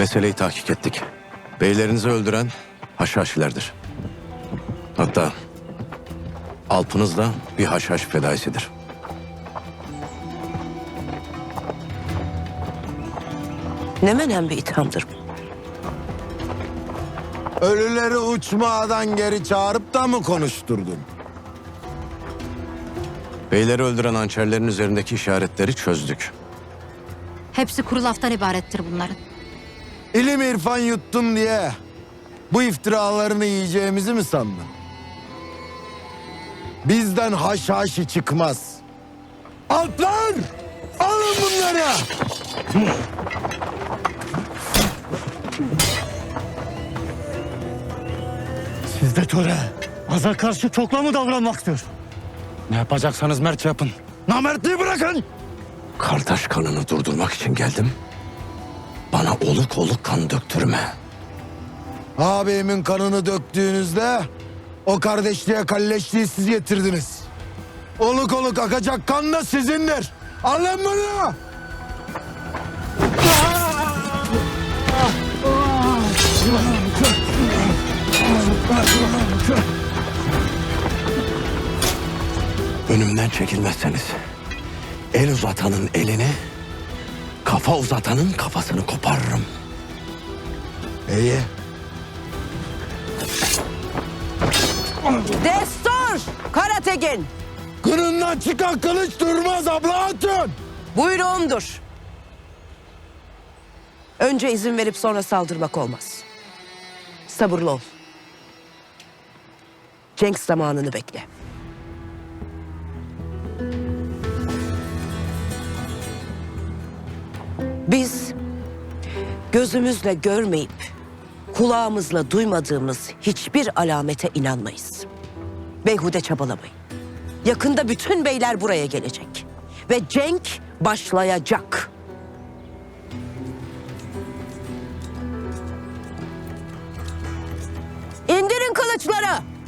Meseleyi tahkik ettik. Beylerinizi öldüren haşhaşilerdir. Hatta Alpınız da bir haşhaş fedaisidir. Ne menen bir ithamdır bu? Ölüleri uçmadan geri çağırıp da mı konuşturdun? Beyleri öldüren hançerlerin üzerindeki işaretleri çözdük. Hepsi kuru laftan ibarettir bunların. İlim irfan yuttun diye bu iftiralarını yiyeceğimizi mi sandın? Bizden haşhaşi çıkmaz. Alplar! Alın bunları! Sizde töre. Aza karşı çokla mı davranmaktır? Ne yapacaksanız mertçe yapın. Namertliği bırakın! Kardeş kanını durdurmak için geldim. Bana oluk oluk kan döktürme. Abimin kanını döktüğünüzde o kardeşliğe kalleşliği siz getirdiniz. Oluk oluk akacak kan da sizindir. Alın bunu! Önümden çekilmezseniz el uzatanın elini, kafa uzatanın kafasını koparırım. İyi. Destur! Karategin! Kınından çıkan kılıç durmaz abla hatun. Buyruğumdur. Önce izin verip sonra saldırmak olmaz. Sabırlı ol. Cenk zamanını bekle. Biz gözümüzle görmeyip kulağımızla duymadığımız hiçbir alamete inanmayız. Beyhude çabalamayın. Yakında bütün beyler buraya gelecek ve cenk başlayacak. İndirin kılıçları.